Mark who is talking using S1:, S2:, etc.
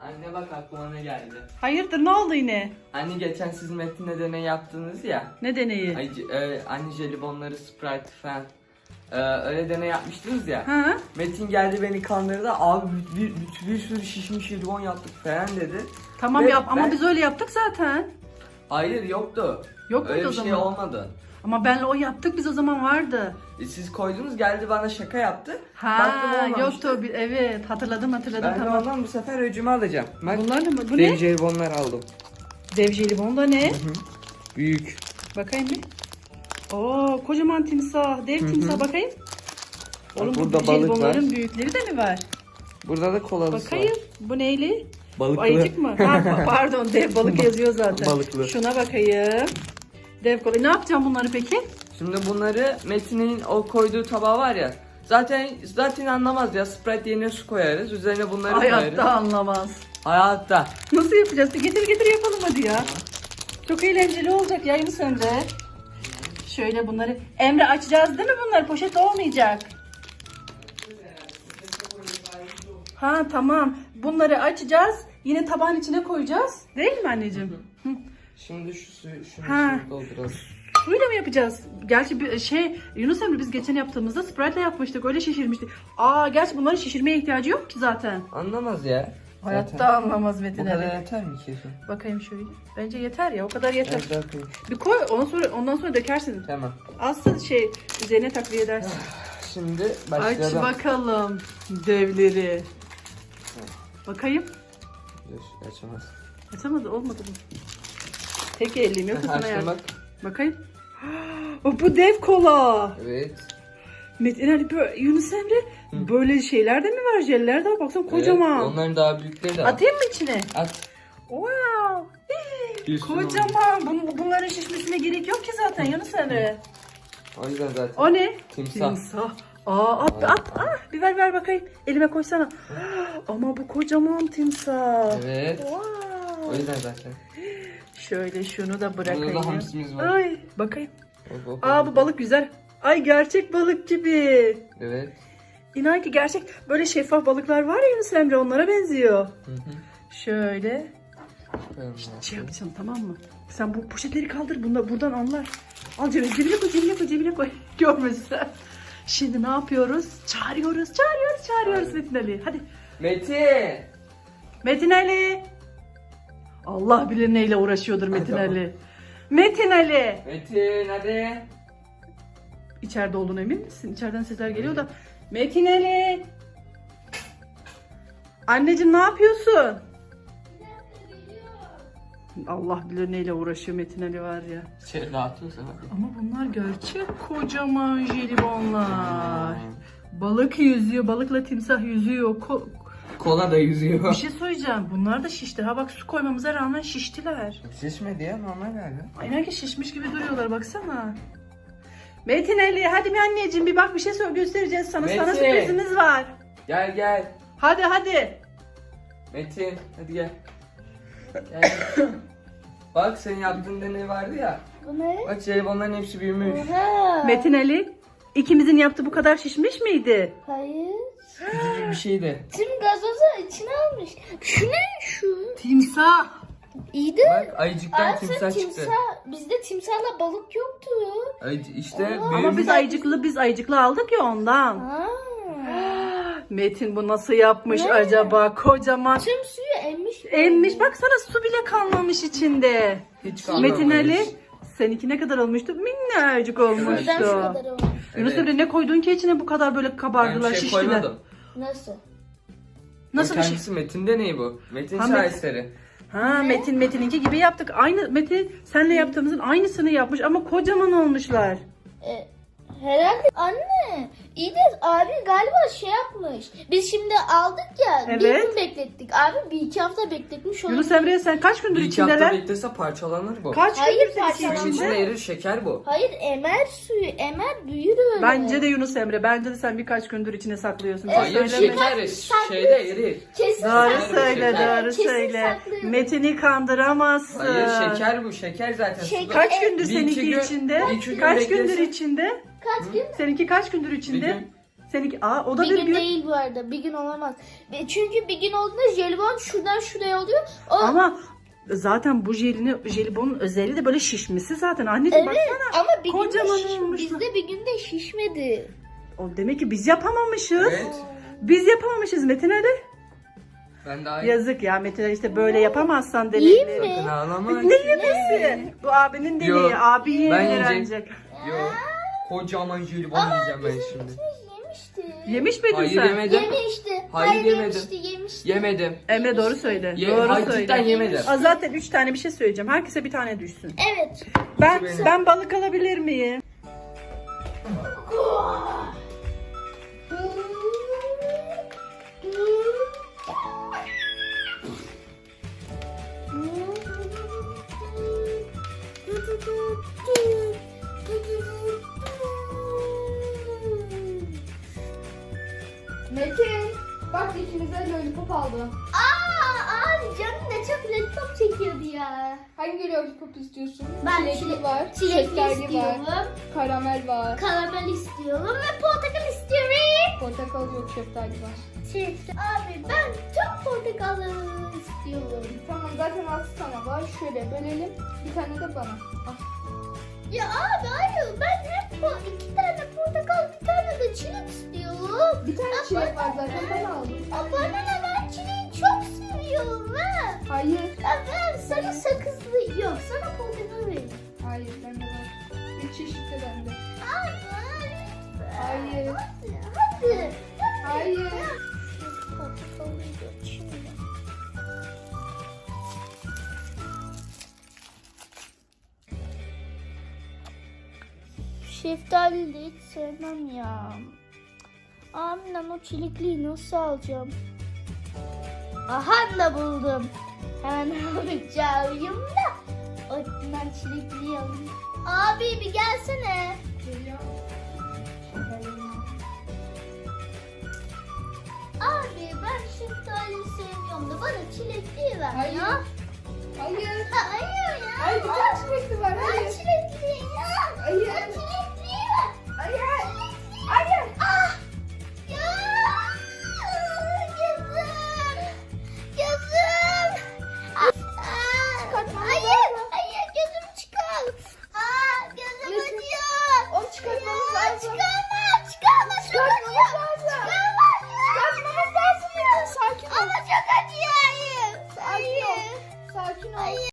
S1: Anne bak aklıma ne geldi.
S2: Hayırdır, ne oldu yine?
S1: Anne geçen siz Metin'le deney yaptınız ya.
S2: Ne deneyi?
S1: Anne jelibonları, Sprite falan. Öyle deney yapmıştınız ya.
S2: Ha?
S1: Metin geldi beni kandırdı. Abi bir sürü şişmiş jelibon yaptık falan dedi.
S2: Tamam
S1: Ve
S2: yap ama
S1: ben-
S2: biz öyle yaptık zaten.
S1: Hayır yoktu.
S2: Yok muydu
S1: Öyle
S2: o
S1: bir şey
S2: zaman?
S1: olmadı.
S2: Ama benle o yaptık biz o zaman vardı.
S1: Siz koydunuz geldi bana şaka yaptı.
S2: Ha
S1: Baktım olmamıştı.
S2: yoktu. Evet hatırladım
S1: Ben de
S2: tamam.
S1: ondan bu sefer öcümü alacağım. Bak,
S2: Bunlar ne? Bu
S1: dev
S2: ne?
S1: jelibonlar aldım.
S2: Dev jelibon da ne?
S1: Büyük.
S2: Bakayım bir. Oo kocaman timsah. Dev timsah bakayım. Oğlum
S1: burada
S2: bu
S1: balık
S2: jelibonların
S1: var.
S2: büyükleri de mi var?
S1: Burada da kolalısı
S2: Bakayım.
S1: var.
S2: Bu neyli?
S1: Balıklı.
S2: Ayıcık mı? Ha, pardon dev balık yazıyor zaten.
S1: Balıklı.
S2: Şuna bakayım. Dev kola. Ne yapacağım bunları peki?
S1: Şimdi bunları Metin'in o koyduğu tabağı var ya. Zaten anlamaz ya. Sprite yerine su koyarız. Üzerine bunları koyarız.
S2: Hayatta anlamaz.
S1: Hayatta.
S2: Nasıl yapacağız? Getir yapalım hadi ya. Çok eğlenceli olacak ya Yunus Emre. Şöyle bunları. Emre açacağız değil mi bunları? Poşet olmayacak. Ha tamam. Bunları açacağız. Yine tabağın içine koyacağız. Değil mi anneciğim? Hı.
S1: Şimdi şu suyu
S2: Ha.
S1: dolduralım.
S2: Suyla mı yapacağız? Gerçi bir Yunus Emre biz geçen yaptığımızda Sprite'le yapmıştık. Öyle şişirmiştik. Gerçi bunların şişirmeye ihtiyacı yok ki zaten.
S1: Anlamaz ya.
S2: Hayatta
S1: Zaten.
S2: anlamaz
S1: Bu
S2: Metin
S1: kadar
S2: Ali.
S1: yeter mi kesin?
S2: Bakayım şöyle. Bence yeter ya. O kadar yeter.
S1: Evet, bakayım.
S2: Bir koy ondan sonra dökersin.
S1: Tamam.
S2: Asıl üzerine takviye edersin.
S1: Şimdi
S2: Aç
S1: başlayalım.
S2: bakalım devleri. Bakayım.
S1: Dur, açamaz.
S2: Açamadı olmadı mı? Tek elim yok sana
S1: Açtım
S2: yardım.
S1: bak.
S2: Bakayım. Bu dev kola.
S1: Evet.
S2: Metin Ali Yunus Emre böyle şeyler de mi var? Jeller de var. Baksana kocaman.
S1: Evet, onların daha büyükleri de var.
S2: Atayım mı içine?
S1: At.
S2: Wow.
S1: Üstüne
S2: Kocaman. Bunların şişmesine gerek yok ki zaten Yunus Emre.
S1: O yüzden zaten.
S2: O ne?
S1: Timsah.
S2: At. Bir ver bakayım. Elime koysana. Ama bu kocaman timsah.
S1: Evet.
S2: Wow.
S1: O yüzden zaten.
S2: Şöyle şunu da bırakayım.
S1: Burada da hamsimiz var.
S2: Ay bakayım.
S1: Hop.
S2: Bu balık güzel. Ay gerçek balık gibi.
S1: Evet.
S2: İnan ki gerçek böyle şeffaf balıklar var ya Yunus Emre onlara benziyor.
S1: Hı hı.
S2: Şöyle
S1: Koyalım
S2: şey yapacağım tamam mı? Sen bu poşetleri kaldır buradan anlar. Al cebine koy. Görmesinler. Şimdi ne yapıyoruz? Çağırıyoruz Metin Ali. Hadi. Metin Ali. Allah bilir neyle uğraşıyordur Metin
S1: Tamam.
S2: Ali. Metin Ali.
S1: Metin hadi.
S2: İçeride olduğuna emin misin? İçeriden sesler geliyor da. Metin Ali. Anneciğim ne yapıyorsun? Allah bilir neyle uğraşıyor Metin Ali var ya.
S1: Şey rahatıyorsa hadi.
S2: Ama bunlar gerçek kocaman jelibonlar. Balık yüzüyor. Balıkla timsah yüzüyor.
S1: Kola da yüzüyor.
S2: Bir şey söyleyeceğim. Bunlar da şişti. Ha bak su koymamıza rağmen şiştiler.
S1: Şişmedi ya normal galiba.
S2: Aynen ki şişmiş gibi duruyorlar baksana. Metin Ali hadi bir anneciğim bir bak bir şey göstereceğiz sana. Sana
S1: Metin.
S2: sürprizimiz var.
S1: Gel.
S2: Hadi.
S1: Metin hadi gel. Gel. Bak senin yaptığın deney vardı ya.
S3: Bu ne?
S1: Bak jelibonların hepsi büyümüş.
S3: Oha.
S2: Metin Ali ikimizin yaptığı bu kadar şişmiş miydi?
S3: Hayır.
S1: Küçücük bir şeydi.
S3: Tüm gazozu içine almış. Şu ne şu?
S2: Timsah.
S3: İyi de.
S1: Bak ayıcıktan timsah çıktı.
S3: Bizde timsahla balık yoktu.
S1: İşte
S3: Aa,
S2: Ama
S1: büyümüş.
S2: biz ayıcıklı aldık ya ondan.
S3: Ha.
S2: Metin bu nasıl yapmış
S3: Ne?
S2: acaba? Kocaman.
S3: Tüm suyu emmiş.
S2: Emmiş baksana su bile kalmamış içinde.
S1: Hiç kalmamış.
S2: Metin Ali seninki ne kadar olmuş? Minnacık
S3: Neden
S2: olmuştu.
S3: şu kadar olmuş?
S2: Yunus Emre ne koydun ki içine bu kadar böyle
S1: Ben
S2: kabardılar
S1: bir şey
S2: şiştiler.
S1: koymadım.
S3: Nasıl?
S2: Nasıl
S1: O
S2: bir şey?
S1: kendisi Metin deneyi bu. Metin
S2: Ha,
S1: şaheseri.
S2: Metin'inki gibi yaptık. Aynı Metin senle yaptığımızın aynısını yapmış ama kocaman olmuşlar.
S3: Herhalde anne. İyi de abi galiba şey yapmış. Biz şimdi aldık ya. Bir
S2: Evet.
S3: gün beklettik. Abi 1-2 hafta bekletmiş.
S2: Yunus Emre sen kaç gündür
S1: Bir iki hafta
S2: içindeler?
S1: beklese parçalanır bu.
S2: Kaç
S3: Hayır,
S2: gündür senin
S3: parçalanmaz.
S1: Suyun içinde
S2: içinde?
S1: erir şeker bu.
S3: Hayır emer suyu. Emer büyür öyle.
S2: Bence de Yunus Emre. Bence de sen birkaç gündür içine saklıyorsun.
S1: Hayır
S2: Söyleme.
S1: şeker şeyde erir.
S3: Kesin
S2: Doğru
S3: saklıyor.
S2: söyle,
S1: Şeker.
S2: doğru
S3: Kesin
S2: söyle.
S3: saklıyorum.
S2: Metin'i kandıramazsın.
S1: Hayır şeker bu. Şeker zaten.
S3: Şeker.
S1: suda.
S2: Kaç gündür
S1: Bir iki
S2: seninki
S1: gün-
S2: içinde?
S1: bir iki gün
S2: Kaç gündür
S1: beklesin.
S2: içinde?
S3: Kaç gün?
S2: Seninki kaç gündür
S1: Bir
S2: içinde?
S1: gün.
S2: Seninki o da
S3: Bir gün değil bu arada. Bir gün olamaz. Çünkü bir gün olduğunda jelibon şuradan şuraya oluyor.
S2: Ama zaten bu jelibonun özelliği de böyle şişmesi zaten. Anneciğim
S3: Evet
S2: baksana.
S3: ama bir
S2: Kocaman
S3: günde
S2: olmuş.
S3: bizde bir günde şişmedi.
S2: O demek ki biz yapamamışız.
S1: Evet.
S2: Biz yapamamışız Metin Ali.
S1: Ben daha iyi.
S2: Yazık ya Metin Ali, işte böyle yapamazsan
S3: Yiyeyim
S2: demek.
S3: mi?
S1: Sakın ağlama.
S2: Ne yemesi? Bu abinin dediği.
S1: Yok,
S2: Abi
S1: ben
S2: yiyebilir
S1: yiyeceğim.
S2: ancak.
S1: Yo. Kocaman jelibon yiyeceğim ben şimdi.
S3: Yemişti.
S2: Yemiş miydin
S1: Hayır
S2: sen?
S1: yemedim.
S3: Yemişti.
S1: Hayır, yemedim.
S3: Yemişti.
S1: Yemedim.
S2: Emre doğru söyle.
S1: Ye,
S2: Doğru
S1: hayır,
S2: söyle.
S1: cidden yemedim.
S2: Zaten 3 tane bir şey söyleyeceğim. Herkese bir tane düşsün.
S3: Evet.
S1: benim.
S2: Ben balık alabilir miyim?
S4: Metin, bak ikimize lollipop aldım.
S3: Abi canım ne çok lollipop çekiyordu ya.
S4: Hangi lollipop istiyorsun?
S3: Ben
S4: Çilekli var,
S3: çilekli
S4: şekerli
S3: istiyorum.
S4: var, karamel var,
S3: Karamel istiyorum ve portakal istiyorum.
S4: portakal yok, şeftali var.
S3: Abi ben tüm portakalları istiyorum.
S4: Tamam, zaten 6 tane var. Şöyle bölelim, bir tane de bana. Al.
S3: Ya abi hayır ben hep 2 tane portakal bir tane de çilek istiyorum.
S4: Bir tane çilek var zaten, ben aldım.
S3: Bana ne, ben çileği çok seviyorum ha.
S4: Hayır,
S3: Ben sana sakızlı yok sana portakal vereyim.
S4: hayır, bende var. Bir çeşit de bende.
S3: Hayır.
S4: Hayır,
S3: Hadi.
S4: hayır.
S3: Portakalı şimdi. Şeftali de hiç sevmem ya. Aminem o çilekliği nasıl alacağım? Aha da buldum. Hemen alacağım da. Ondan çilekliği alayım. Abi bir gelsene. Abi ben şeftali sevmiyorum da bana çilekliği ver
S4: Hayır.
S3: ya.
S4: Hayır.
S3: Hayır ya.
S4: Hayır, bir tane çilekli var,
S3: Ben
S4: hayır.
S3: çilekli ya.
S4: Hayır.
S3: Ben çilekli